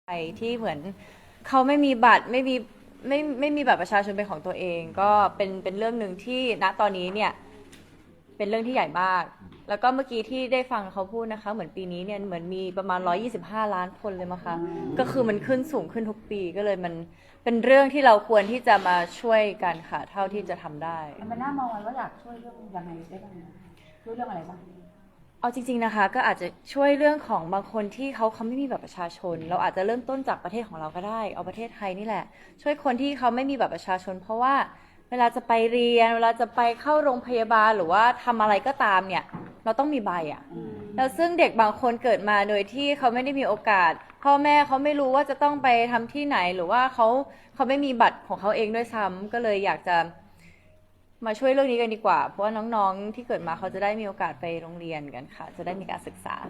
ไทยที่เหมือนเขาไม่มีบัตรไม่มีบัตรประชาชนเป็นของตัวเองก็เป็นเรื่องหนึ่งที่ณตอนนี้เนี่ยเป็นเรื่องที่ใหญ่มากแล้วก็เมื่อกี้ที่ได้ฟังเขาพูดนะคะเหมือนปีนี้เนี่ยเหมือนมีประมาณ125 ล้านคนเลยมั้งคะก็คือมันขึ้นสูงขึ้นทุกปีก็เลยมันเป็นเรื่องที่เราควรที่จะมาช่วยกันค่ะเท่าที่จะทำได้มันน่ามองว่าอยากช่วยเรื่องยังไงได้บ้างช่วยเรื่องอะไรบ้างเอาจริงๆนะคะก็อาจจะช่วยเรื่องของบางคนที่เขาไม่มีบัตรประชาชนเราอาจจะเริ่มต้นจากประเทศของเราก็ได้เอาประเทศไทยนี่แหละช่วยคนที่เขาไม่มีบัตรประชาชนเพราะว่าเวลาจะไปเรียนเวลาจะไปเข้าโรงพยาบาลหรือว่าทำอะไรก็ตามเนี่ยเราต้องมีใบอ่ะแล้วซึ่งเด็กบางคนเกิดมาโดยที่เขาไม่ได้มีโอกาสพ่อแม่เขาไม่รู้ว่าจะต้องไปทำที่ไหนหรือว่าเขาไม่มีบัตรของเขาเองด้วยซ้ำก็เลยอยากจะมาช่วยเรื่องนี้กันดีกว่าเพราะว่าน้องๆที่เกิดมาเขาจะได้มีโอกาสไปโรงเรียนกันค่ะจะได้มีการศึกษา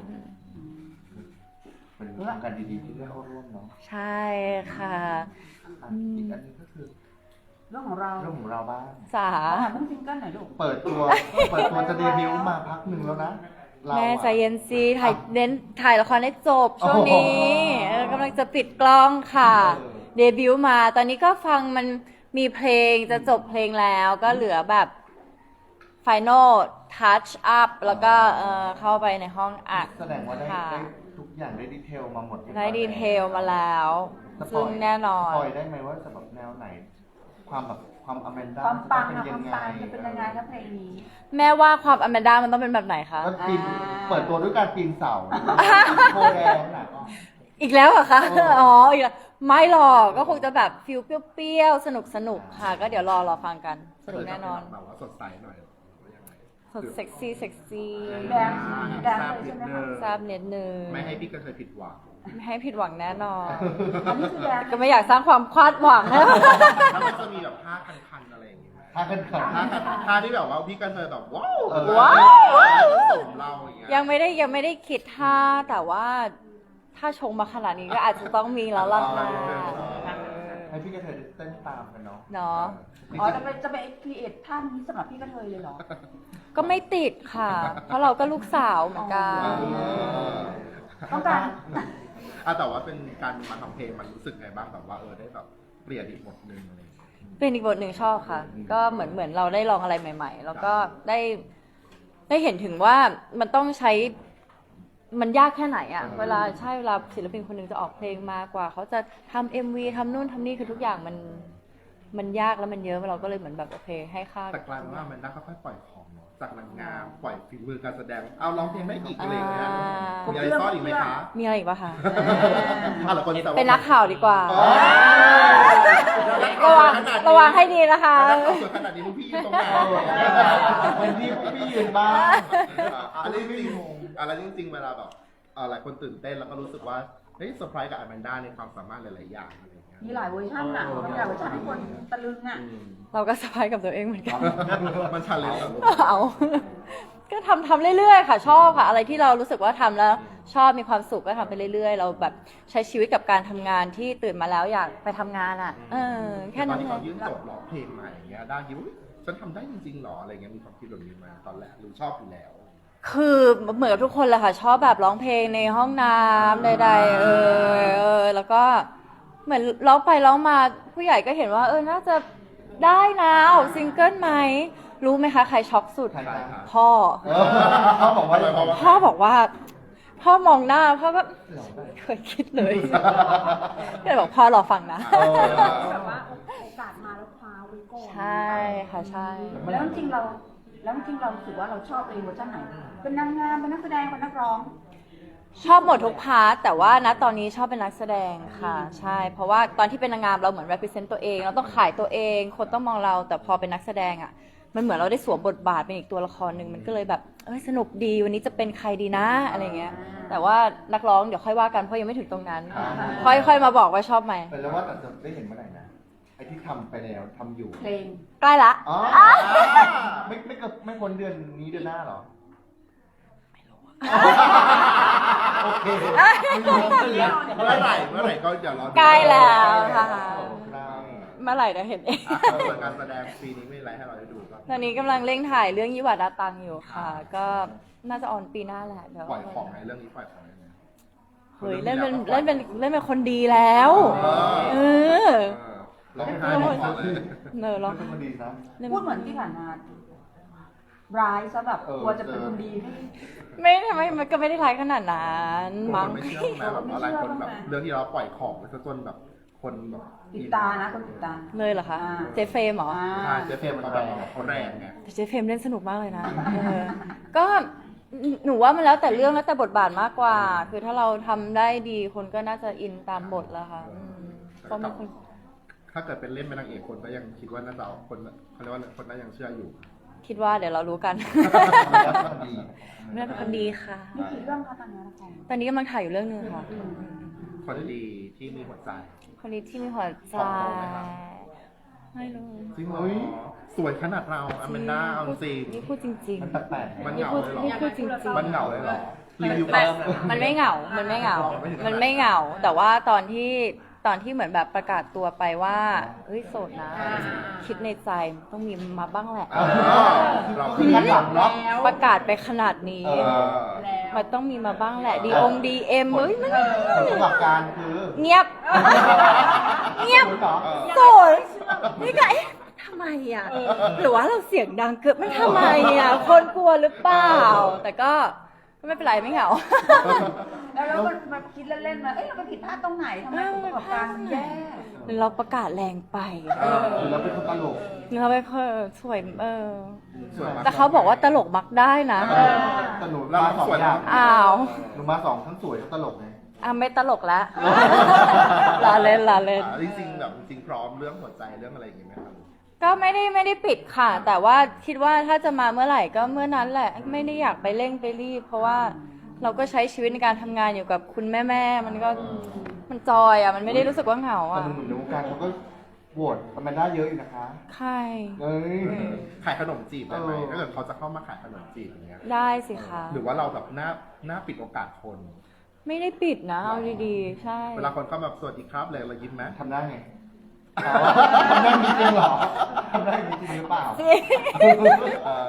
เป็นโครงการดีๆที่ได้เข้าร่วมเนาะใช่ค่ะอีกอันนึงก็คือเรื่องของเราบ้างสาเรื่องซิงเกิลหน่อยลูกเปิดตัวจะเดบิวต์มาพักหนึ่งแล้วนะแม่ใจเย็นซีถ่ายละครให้จบช่วงนี้กำลังจะปิดกล้องค่ะเดบิวต์มาตอนนี้ก็ฟังมันมีเพลงจะจบเพลงแล้วก็เหลือแบบ Final Touch Up แล้วก็เข้าไปในห้องอัดแสดงว่าได้ทุกอย่างได้ดีเทลมาหมดได้ดีเทลมาแล้วซึ่งแน่นอนปล่อยได้ไหมว่าจะแบบแนวไหนความอแมนด้าความปังเป็นยังไงจะเป็นยังไงถ้าเพลงนี้แม่ว่าความอแมนด้ามันต้องเป็นแบบไหนคะก็ปีนเปิดตัวด้วยการปีนเสาโคแดงน่ะอีกแล้วเหรอคะอ๋ออีกแล้วไม่หรอกก็คงจะแบบฟิลเปรี้ยวๆสนุกค่ะก็เดี๋ยวรอฟังกันสนุกแน่นอนแบบว่าสดใสหน่อยสดเซ็กซี่แดงเลยใช่ไหมคะทราบนิดนึงไม่ให้พี่ก็เคยผิดหวังไม่ให้ผิดหวังแน่นอนอันนี้คือแดงก็ไม่อยากสร้างความคาดหวังนะแล้วมันจะมีแบบท่าคันๆอะไรอย่างเงี้ยท่าคันท่าที่แบบว่าพี่ก็เคยแบบว้าวสมเราอย่างเงี้ยยังไม่ได้คิดท่าแต่ว่าถ้าชงมาขนาดนี้ก็อาจจะต้องมีแล้วล่ะค่ะให้พี่กระเทยเต้นตามกันเนาะอ๋อจะไปครีเอทท่านี้สำหรับพี่กระเทยเลยเหรอก็ไม่ติดค่ะเพราะเราก็ลูกสาวเหมือนกันต้องการแต่ว่าเป็นการมาทำเพลงมันรู้สึกไงบ้างแบบว่าได้แบบเปลี่ยนอีกบทหนึ่งอะไรเป็นอีกบทหนึ่งชอบค่ะก็เหมือนเราได้ลองอะไรใหม่ๆแล้วก็ได้เห็นถึงว่ามันต้องใช้มันยากแค่ไหนอะเวลาศิลปินคนหนึ่งจะออกเพลงมากว่าเขาจะทำ MV ทำนู่นทำนี่คือทุกอย่างมันยากแล้วมันเยอะเราก็เลยเหมือนแบบโอเคให้ค่าแต่กลายเป็นว่ามันได้ค่อยๆปล่อยของเนาะจากนางงามปล่อยฝีมือการแสดงเอาร้องเพลงได้อีกอะไรอย่างเงี้ยมีอะไรซ่อนอีกไหมคะมีอะไรอีกป่ะคะเป็นนักข่าวดีกว่าระวังให้ดีนะคะสวยขนาดนี้มึงพี่ยืนตรงไหนวันนี้พี่ยืนบ้างอะไรจริงเวลาแบบหลายคนตื่นเต้นแล้วก็รู้สึกว่าเฮ้ยเซอร์ไพรส์กับอแมนด้าในความสามารถหลายๆอย่างอะไรอย่างเงี้ยมีหลายเวอร์ชันอ่ะมีหลายเวอร์ชันให้คนตะลึงอ่ะเราก็เซอร์ไพรส์กับตัวเองเหมือนกันมันชันเลยเอาก็ทำเรื่อยๆค่ะชอบค่ะอะไรที่เรารู้สึกว่าทำแล้วชอบมีความสุขก็ทำไปเรื่อยๆเราแบบใช้ชีวิตกับการทำงานที่ตื่นมาแล้วอยากไปทำงานอ่ะแค่นั้นเองตอนที่เขายื่นจบร้องเพลงมาอย่างเงี้ยได้ยิ้มฉันทำได้จริงๆหรออะไรเงี้ยมีความคิดแบบนี้มาตอนแรกหรือชอบอยู่แล้วคือเหมือนกับทุกคนแหละค่ะชอบแบบร้องเพลงในห้องน้ำใดๆแล้วก็เหมือนร้องไปร้องมาผู้ใหญ่ก็เห็นว่าน่าจะได้นะออกซิงเกิลไหมรู้ไหมคะใครช็อกสุดพ่อบอกว่าพ่อมองหน้าพ่อก็เคยคิดเลยก็เลยบอกพ่อรอฟังนะแบบว่าโอกาสมาแล้วคว้าไว้ก่อนใช่ค่ะใช่แล้วจริงเรารู้สึกว่าเราชอบในเวอร์ชันไหนเป็นนางงามเป็นนักแสดงเป็นนักร้องชอบหมดทุกพาร์ทแต่ว่าณตอนนี้ชอบเป็นนักแสดงค่ะใช่เพราะว่าตอนที่เป็นนางงามเราเหมือน represent ตัวเองเราต้องขายตัวเองคนต้องมองเราแต่พอเป็นนักแสดงอ่ะมันเหมือนเราได้สวมบทบาทเป็นอีกตัวละครหนึ่งมันก็เลยแบบสนุกดีวันนี้จะเป็นใครดีนะอะไรเงี้ยแต่ว่านักร้องเดี๋ยวค่อยว่ากันเพราะยังไม่ถึงตรงนั้นค่อยมาบอกว่าชอบไหมแต่แล้วว่าจะได้เห็นเมื่อไหร่นะไอ้ที่ทำไปแล้วทำอยู่เพลงใกล้ละไม่พ้นเดือนนี้เดือนหน้าหรอโอเคเมื่อไหร่ก็อย่ารอใกล้แล้วค่ะเมื่อไหร่จะเห็นเองส่วนการแสดงปีนี้ไม่ไรให้เราได้ดูตอนนี้กำลังเร่งถ่ายเรื่องยิวาดาตังอยู่ค่ะก็น่าจะออนปีหน้าแหละเดี๋ยวปล่อยของในเรื่องนี้ปล่อยของยังไงเฮ้ยเล่นเป็นคนดีแล้วเออร้องไห้ร้องขอเลยเนอร้องเป็นคนดีนะพูดเหมือนที่ผ่านมาร้ายซะแบบกลัวจะเป็นคนดีไม่ไม่ทำไมมันก็ไม่ได้ร้ายขนาดนั้นคมั้งนไม่เชื่อไหมแบบอะไรคนแบบเรื่องที่เราปล่อยของไปซะจนแบบคนแบบติดตานะคนติดตาเลยเหรอคะอ่าเจฟเฟรมเหรอใช่เจฟเฟรมเขาแบบเขาแรงไงแต่เจฟเฟรมเล่นสนุกมากเลยนะก็หนูว่ามันแล้วแต่เรื่องแล้วแต่บทบาทมากกว่า คือถ้าเราทำได้ดีคนก็น่าจะอินตามบทแล้วค่ะก็ไม่คนถ้าเกิดเป็นเล่นเป็นนางเอกคนก็ยังคิดว่าน่าจะเอาคนเขาเรียกว่าคนน่ายังเชื่ออยู่คิดว่าเดี๋ยวเรารู้กันเป็นคนดีไม่ได้เป็นคนดีค่ะมีกี่เรื่องคะตอนนี้ละครตอนนี้กำลังถ่ายอยู่เรื่องนึงค่ะคนดีที่มีหัวใจคนนี้ที่มีหัวใจของเราไหมครับไม่รู้จริงเหรอสวยขนาดเราอแมนด้าเอาจริงนี่พูดจริงมันแปลกๆมันๆเหงาเลยเหรอนี่พูดจริงๆมันเหงาเลยเหรอรีวิวแต่เพิ่มมันไม่เหงา มันไม่เหงา มันไม่เหงา แต่ว่าตอนที่เหมือนแบบประกาศตัวไปว่าเฮ้ยโสดนะ คิดในใจต้องมีมาบ้างแหละเราคือคาดหวังเนาะประกาศไปขนาดนี้แล้วมันต้องมีมาบ้างแหละดีองดีเอ็มเฮ้ยมันผลประกอบการคือเงียบ เงียบคุณเหรอโสดนี่ไงทำไมอ่ะ หรือว่าเราเสียงดังเกินมันทำไมอ่ะ คนกลัวหรือเปล่า แต่ก็ไม่เป็นไรไม่เหงาแล้วมันคิดเล่นๆมาเอ้ยเราไปผิดพลาดตรงไหนทำไมผลประกอบการมันแย่เราประกาศแรงไปหรือเราเป็นคนตลกเราไม่ค่อยสวยสวยมากแต่เขาบอกว่าตลกมักได้นะแต่หนูมาสองอย่างอ้าวหนูมาสองทั้งสวยทั้งตลกไงอ่ะไม่ตลกแล้ว ลาเล่นลาเล่นจริงๆแบบจริงๆพร้อมเรื่องหัวใจเรื่องอะไรอย่างเงี้ยไหมครับก็ไม่ได้ปิดค่ะ แต่ว่าคิดว่าถ้าจะมาเมื่อไหร่ก็เมื่อนั้นแหละ ไม่ได้อยากไปเร่งไปรีบ เพราะว่าเราก็ใช้ชีวิตในการทำงานอยู่กับคุณแม่ๆมันก็มันจอยอ่ะมันไม่ได้รู้สึกว่าเหงาแต่อ่ะหนุ่มๆในวงการเขาก็โหวตอแมนด้าเยอะอยู่นะคะใครเอ้ยขายขนมจีบได้ไหมถ้าเกิดเขาจะเข้ามาขายขนมจีบอย่างเงี้ยได้สิคะหรือว่าเราแบบหน้าปิดโอกาสคนไม่ได้ปิดนะเอาดีๆ ใช่เวลาคนเข้ามาสวัสดีครับเลยเรายิ้มไหมทำได้ไงทำได้จริงเหรอทำได้จริงหรือเปล่าจริงเออ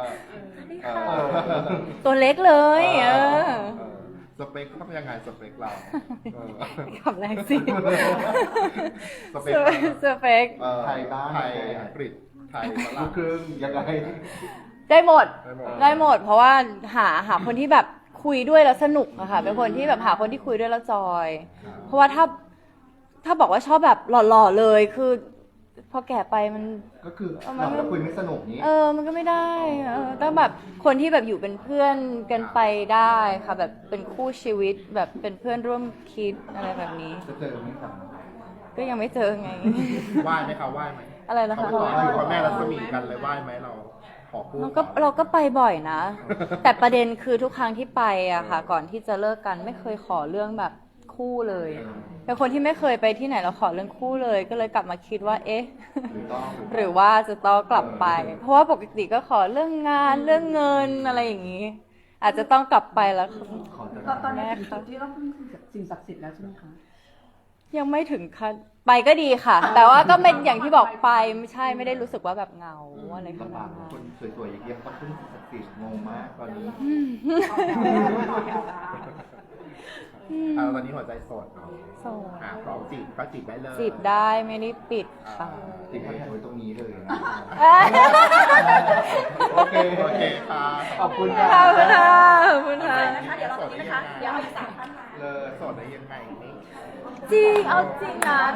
ตัวเล็กเลยสเปคต้องยังไงสเปคเราเออขับแรงสิสเปคสเปคไทยบ้างไทยอังกฤษไทยฝลูรั่กงครึ่งยังไงได้หมดได้หมดได้หมด เพราะว่าหาคนที่แบบคุยด้วยแล้วสนุกอะค่ะเป็นคนที่แบบหาคนที่คุยด้วยแล้วจอย เพราะว่าถ้าบอกว่าชอบแบบหล่อๆเลยคือ พอแก่ไปมันก็คือเราคุยไม่สนุกนี้มันก็ไม่ได้ต้องแบบคนที่แบบอยู่เป็นเพื่อนกันไปได้ค่ะ แบบเป็นคู่ชีวิตแบบเป็นเพื่อนร่วมคิดอะไรแบบนี้จะเจอไหมครับก็ยังไม่เจอไงไหว้ไหมคะไหว้ไหมอะไรนะคะเขาไปต่ออยู่กับแม่รัศมีกันเลยไหว้ไหมเราขอพูดเราก็ไปบ่อยนะ แต่ประเด็นคือทุกครั้งที่ไปอะค่ะ ก่อนที่จะเลิกกันไม่เคยขอเรื่องแบบคู่เลยเป็นคนที่ไม่เคยไปที่ไหนแล้วขอเรื่องคู่เลย ก็เลยกลับมาคิดว่าเอ๊ะ หรือว่าจะต้องกลับไป เพราะว่าปกติก็ขอเรื่องงานเรื่องเงินอะไรอย่างนี้ อาจจะต้องกลับไปแล้วตอนนี้ถึงจุดที่ต้องพึ่งสิ่งศักดิ์สิทธิ์แล้วใช่ไหมคะยังไม่ถึงขั้นไปก็ดีค่ะ แต่ว่าก็เป็นอย่างที่บอกไปไม่ได้รู้สึกว่าแบบเหงาอะไรขลำนาบาดกนั้นคนสวยๆอย่างเงี้ยต้องพึ่งศักดิ์สิทธิ์งงมากตอนนี้ตอนนี้หัวใจโสดเนาะโสดพร้อมจีบก็จีบได้เลยจีบได้ไม่ได้ปิดค่ะติดแฮชแท็กไว้ตรงนี้เลยนะ โอเคโอเคค่ะขอบคุณขอบคุณค่ะขอบคุณค่ะเดี๋ยวเราตรงนี้นะคะ เดี๋ยวเอาอีก3ท่านมาเลยโสดได้ยังไงนี่จริงเอาจริงนะ